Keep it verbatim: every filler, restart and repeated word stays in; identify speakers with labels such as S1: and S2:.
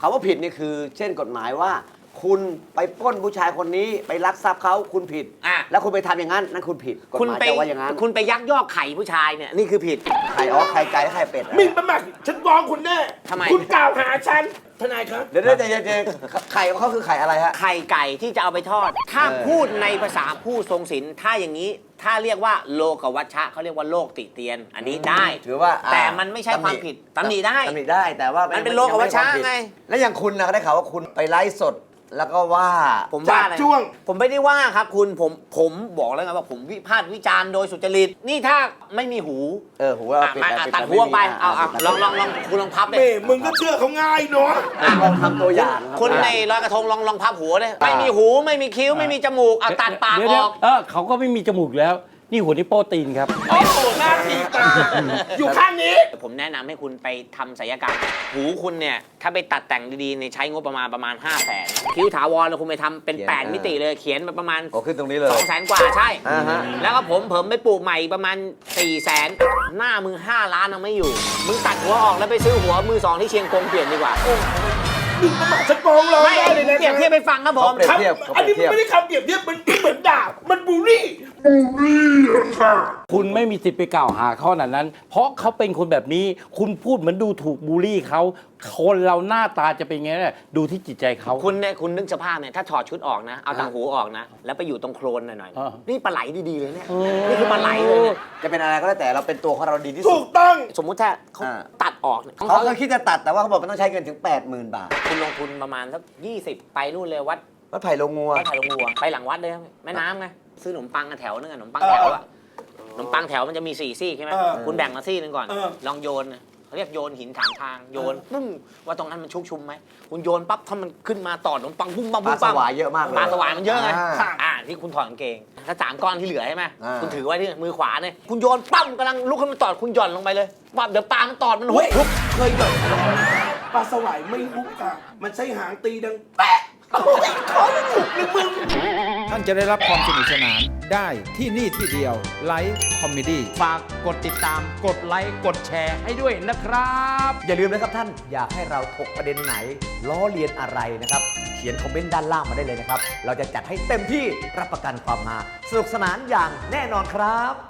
S1: ำว่าผิดนี่คือเช่นกฎหมายว่า คุณไปปล้นผู้ชายคนนี้ไปลักทรัพย์เขาคุณผิด
S2: อ่ะ
S1: แล้วคุณไปทำอย่างนั้นนั่นคุณผิดกฎ
S2: คุณ
S1: หมาย
S2: ไป
S1: จะว่าอย่างนั้น
S2: คุณไปยักยอกไข่ผู้ชายเนี่ยนี่คือผิด
S1: ไข่อ๋อไข่ไก่ไข่เป็ด
S3: หมิ่นประมาทฉันฟ้องคุณแน่
S2: ทำไม
S3: คุณกล่าวหาฉันทนายครับ
S1: เดี๋ยวเดี๋ยวเดี๋ยวเดี๋ยวไข่ของเขาคือไข่อะไรฮะ
S2: ไข่ไก่ที่จะเอาไปทอด ถ้า
S1: เออ
S2: พูดในภาษาผู้ทรงศีลถ้าอย่างนี้ ถ้าเรียกว่าโลกวัชชะเขาเรียกว่าโลกติเตียน อันนี้ได้
S1: ถือว่าอ่า
S2: แต่มันไม่ใช่ความผิดตำหนิได้
S1: ตำหนิได้แต่ว่า
S2: มั
S1: มัน
S2: เป็นโลกวัชชะไง
S1: แล้วอย่างคุณนะได้ข่าวว่าคุณไปไลฟ์สดแล้วก็ว่า
S2: ผมว่าอะไร
S3: จับจ้วง
S2: ผมไม่ได้ว่าครับคุณผมผมบอกแล้วไงว่าผมวิพากษ์วิจารณ์โดยสุจริตนี่ถ้าไม่มีหู
S1: เออหัวเอา
S2: อ่ะ
S1: ปิด
S2: มา
S1: เอา
S2: อ่ะ
S1: ปิด
S2: ตัด
S1: เอา
S2: หัวไป
S1: ม่มี
S2: เอาเอา
S1: ปิด
S2: ลองลองลองคุณลองพับเลย
S3: เม่มึงก็เชื่อเขาง่ายเนาะ
S1: อ่ะลองทำตัวอย่าง
S2: คนในลอยกระทงลองลองพับหัวเลยไม่มีหูไม่มีคิ้วไม่มีจมูกเอาตัดปาก
S4: เดี๋ยว
S2: อ
S4: เดี๋ยว
S2: อก
S4: เออเขาก็ไม่มีจมูกแล้ว นี่หัวนิ้วโป้ตีนครับ
S3: โอ้โหหน้าทีตาอยู่ข้างนี้
S2: ผมแนะนำให้คุณไปทำศัลยกรรมหูคุณเนี่ยถ้าไปตัดแต่งดีๆในยใช้งบประมาณประมาณ5 0 0แสนคิ้วถาวรแล้วคุณไปทำเป็นแปดมิติเลยเขียนมาประมาณ
S1: โอ้ขึ้นตรงนี้เลย
S2: สองแสนกว่าใช่
S1: อ่าฮะ
S2: แล้วก็ผมเผมไปปลูกใหม่อีกประมาณ4ี่แสนหน้ามึงห้าล้านยังไม่อยู่ มึงตัดหัวออกแล้วไปซื้อหัวมือสองที่เชียงกงเปลี่ยนดีกว่า
S3: หมิ่นประมาทฉันฟ้องร้อง
S2: ไม่
S3: ได้เลยนะ
S2: เปรียบเทียบไปฟังครับผม
S1: เขาเปรียบ
S3: ครับ
S1: เทียบเขา
S3: อัน
S1: เปรี
S3: นี้
S1: ยบ
S3: มัน
S1: เทียบ
S3: ไม่ได้คำเปรียบเทียบมันเหมือนด่ามันบูลลี่
S4: คุณไม่มีสิทธิ์ไปกล่าวหาเขาขนาดนั้น เพราะเขาเป็นคนแบบนี้ คุณพูดเหมือนดูถูกบูลลี่เขาคนเราหน้าตาจะเป็นไงเนี่ยดูที่จิตใจเขา
S2: คุณเนี่ยคุณนึกสภาพเนี่ยถ้าถอดชุดออกนะ เอาต่างหูออกนะ แล้วไปอยู่ตรงโคลนหน่อย
S4: อ่า
S2: ๆนี่ปลาไหลดีๆเลยเนี่ย
S4: เออ
S2: นี่คือปลาไหลเลยเนี่ย
S1: จะเป็นอะไรก็แล้วแต่เราเป็นตัวของเราดีที่
S3: ถู
S1: สุด
S3: กต้อง
S2: สมมุติถ้าเขา
S1: อ่า
S2: ตัดออกเนี่ยของ
S1: เขา
S2: เขา
S1: เคยคิดจะตัดแต่ว่าเขาบอกมันต้องใช้เงินถึง แปดหมื่น บาท
S2: คุณลงทุนประมาณสักยี่สิบไปนู่นเลยวัด
S1: วัดไผ่ลงงัว
S2: วัดไผ่ลงวัวไปหลังวัดเลยแม่น้ำไงซื้อขนมปังกันแถวนึงอะขนมปังแถวอะขนมปังแถวมันจะมีสี่ซี่ใช่ไหม
S3: เออ
S2: คุณแบ่งมาซี่หนึงก่อน
S3: เออ
S2: ลองโยนนะเขาเรียกโยนหินถามทางโยนปุ้งว่าตรงนั้นมันชุกชุมไหมคุณโยนปั๊บถ้ามันขึ้นมาต่อขนมปังปุ้งปัง
S1: ปลา
S2: ปุ้ง
S1: ส
S2: ปัง
S1: วายเยอะมากเลย
S2: ปลาสวายมันเยอะไง
S1: อ่า
S2: อ่าที่คุณถอดกางเกงถ้าสามก้อนที่เหลือใช่ไหม
S1: อ่า
S2: คุณถือไว้ที่มือขวาเนี่ยคุณโยนปั๊มกำลังลุกขึ้นมาตอดคุณหย่อนลงไปเลยปั๊บเดี๋ยวปลามันตอดมันหุบหุบเคยหย่อน
S3: ปลาสวายไม่ฮุกค่ะ มันใช้หางตีดังแปะโอ้ยขอไม่ถูกเลยมึง
S5: ท่านจะได้รับความสนุกสนานได้ที่นี่ที่เดียวไลฟ์คอมเมดี้
S4: ฝากกดติดตามกดไลค์กดแชร์ให้ด้วยนะครับ
S1: อย่าลืมนะครับท่านอยากให้เราถกประเด็นไหน ล้อเลียนอะไรนะครับ เขียนคอมเมนต์ด้านล่างมาได้เลยนะครับ เราจะจัดให้เต็มที่รับประกันความมาสนุกสนานอย่างแน่นอนครับ